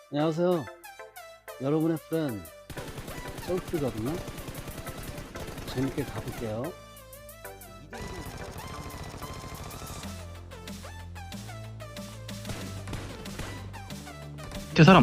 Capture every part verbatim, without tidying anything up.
안녕하세요. 여러분의 프렌드 솔트거든요. 재밌게 가볼게요. 제 사람.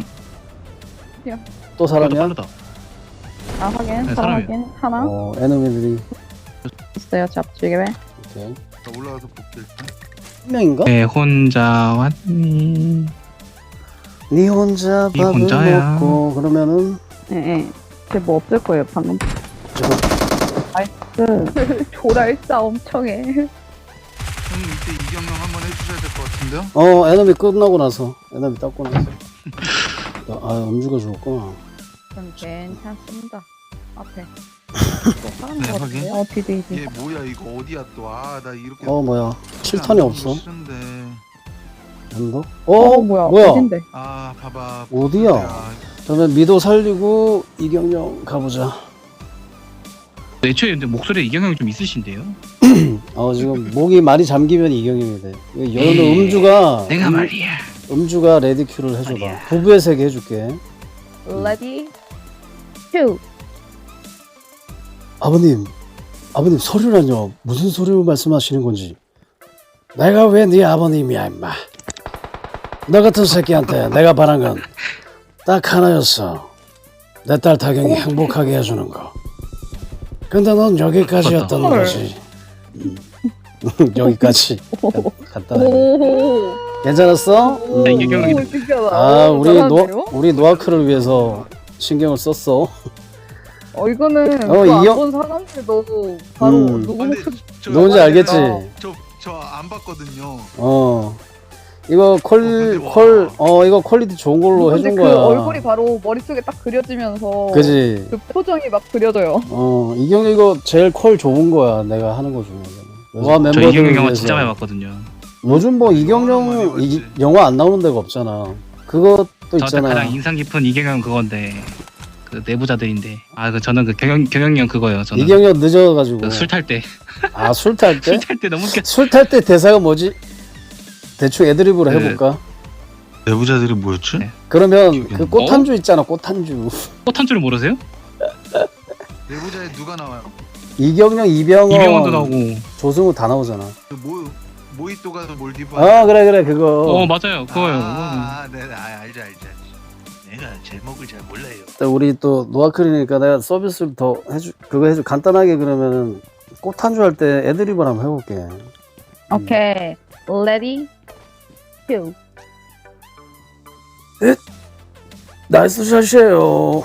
또 사람이야? 빠르다. 아 확인. 네, 사람 사람이요. 확인. 하나 어, 에너미들이 있어요. 잡지게. 오케이. 자, 올라가서 볼게 일단. 한 명인가? 네, 혼자 왔니? 니 혼자 니 밥을 혼자야. 먹고 그러면은 예, 예. 쟤뭐 없을 거예요, 방금. 저거 나이스. 조랄싸 엄청 해. 형님 이때 이경영 한번 해주셔야 될 것 같은데요? 어 에너미 끝나고 나서 에너미 닦고 나서 야, 아 음주가 좋았구나. 전 괜찮습니다. 앞에. 또 사람 네, 것 확인. 같은데? 어, 디디, 디디. 얘 뭐야 이거 어디야 또? 아 나 이렇게 어 뭐야 칠 턴이 없어. 싫은데. 엔더? 어, 어 뭐야. 뭐야 어딘데? 아 봐봐. 어디야? 야, 그러면 미도 살리고 이경영 가보자. 애초에 근데 목소리에 이경영이 좀 있으신데요? 어 지금 목이 많이 잠기면 이경영이 돼. 여는 에이, 음주가 내가 음, 말이야. 음주가 레디큐를 해줘봐. 말이야. 부부의 세계 해줄게. 레디, 큐. 아버님, 아버님 서류라뇨? 무슨 서류 말씀하시는 건지. 내가 왜 네 아버님이야 임마. 너 같은 새끼한테 내가 바란 건 딱 하나였어. 내 딸 타경이 행복하게 해주는 거. 근데 넌 여기까지였던 헐. 거지. 음. 여기까지. 간단하게. 오. 괜찮았어? 음. 네, 이경영이 오, 신기하다. 아 오, 우리 잘하는데요? 노 우리 노아크를 위해서 신경을 썼어. 어, 이거는 어, 어, 이경- 안본 사람들도 바로 음. 누구 근데 목소리 저 누군지 알겠지? 저저 안 봤거든요. 어. 이거 퀄, 근데 와. 퀄, 어, 이거 퀄리티 좋은 걸로 근데 해준 그 거야. 얼굴이 바로 머릿속에 딱 그려지면서 그지? 그 표정이 막 그려져요. 어, 이경영 이거 제일 퀄 좋은 거야. 내가 하는 거 중에서. 와, 저 멤버들 이경영 영화 위해서. 진짜 많이 봤거든요. 요즘 뭐 많이 이경영 이, 봤지. 영화 안 나오는 데가 없잖아. 그것도 저한테 있잖아. 가장 인상 깊은 이경영 그건데 그 내부자들인데 아 그 저는 그 경영 경영이 형 그거예요. 저는 이경영 늦어가지고. 그 술 탈 때 아, 술 탈 때? 술 탈 때 너무 웃겨. 술 탈 때 대사가 뭐지? 대충 애드립으로 그- 해볼까? 내부자들이 뭐였지? 네. 그러면 기억이 그 안 꽃한주 있잖아, 꽃한주. 꽃한 줄 모르세요? 내부자에 누가 나와요? 이경영, 이병헌, 이병헌도 나오고. 조승우 다 나오잖아. 그 모 모히또 가서 몰디브. 아, 그래, 그래, 그거. 어 맞아요 그거예요. 아, 아, 네, 아, 알죠, 알죠, 알죠. 내가 제목을 잘 몰라요. 또 우리 또 노아클이니까 내가 서비스를 더 해주 그거 해주 간단하게 그러면은 꽃 한 주 할 때 애드립을 한번 해볼게. 오케이. 레디, 큐. 나이스 샷이에요.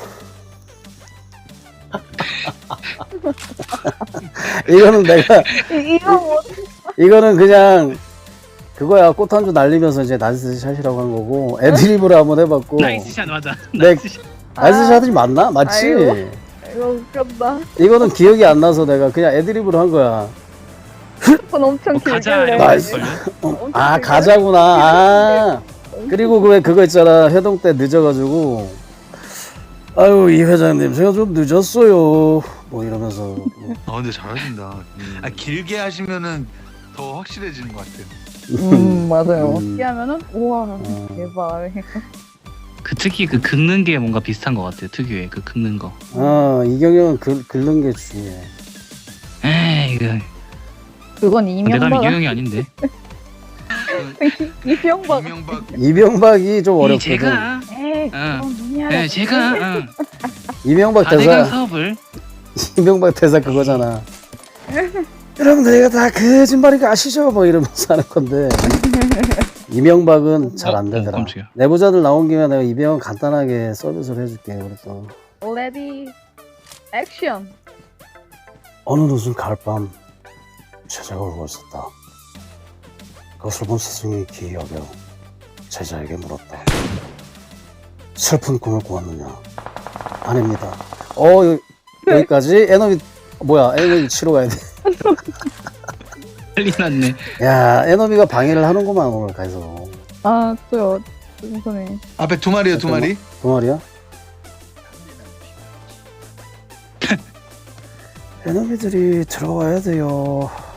이거는 내가 이- 이거 뭐 이거는 그냥 그거야. 꽃 한 주 날리면서 이제 나이스 샷이라고 한 거고 애드립으로 한번 해봤고. 나이스 샷 맞아. 네. 나이스 샷. 나이스 샷이 맞나? 맞지? 아이고. 이거 웃겼다. 이거는 기억이 안 나서 내가 그냥 애드립으로 한 거야. 그건 엄청 뭐 길게 가자 해. 이런 거 나이스. 걸요? 엄청 아 길게 가자구나. 아 그리고 그 왜 그거 있잖아. 회동 때 늦어가지고 아유 이 회장님 제가 좀 늦었어요. 뭐 이러면서 아 근데 잘하신다. 음. 아 길게 하시면은 더 확실해지는 것 같아요. 음 맞아요. 음. 어떻게 하면은 우와 음. 대박. 그 특히 그 긁는 게 뭔가 비슷한 것 같아요. 특유의 그 긁는 거. 아 이경영은 글, 긁는 게 중요해. 에이 이거 그건 내가 하면 이명박 이경영이 아닌데. 이명박. 이명박 이명박이 좀 이 어렵거든. 제가 에이 응. 그건 누냐. 네, 제가 응. 이명박 사대강 대사 사업을 이명박 대사 그거잖아. 여러분들 이거 다 거짓말인 거 아시죠? 뭐 이러면서 하는 건데 이명박은 잘 안 어, 어, 되더라. 깜짝이야. 내부자들 나온 김에 내가 이병헌 간단하게 서비스를 해줄게. 그래서 레디 액션. 어느 늦은 가을밤 제자가 울고 있었다. 그것을 본 스승이 기이 여겨 제자에게 물었다. 슬픈 꿈을 꾸었느냐? 아닙니다. 어 여, 여기까지 에너미 뭐야 에너미 치러 가야 돼. 빨리 났네. 야 에너미가 방해를 하는구만 오늘 가서. 아 또요. 우선에 앞에 두 마리요 두 마리. 동아리야? 에너미들이 들어와야 돼요.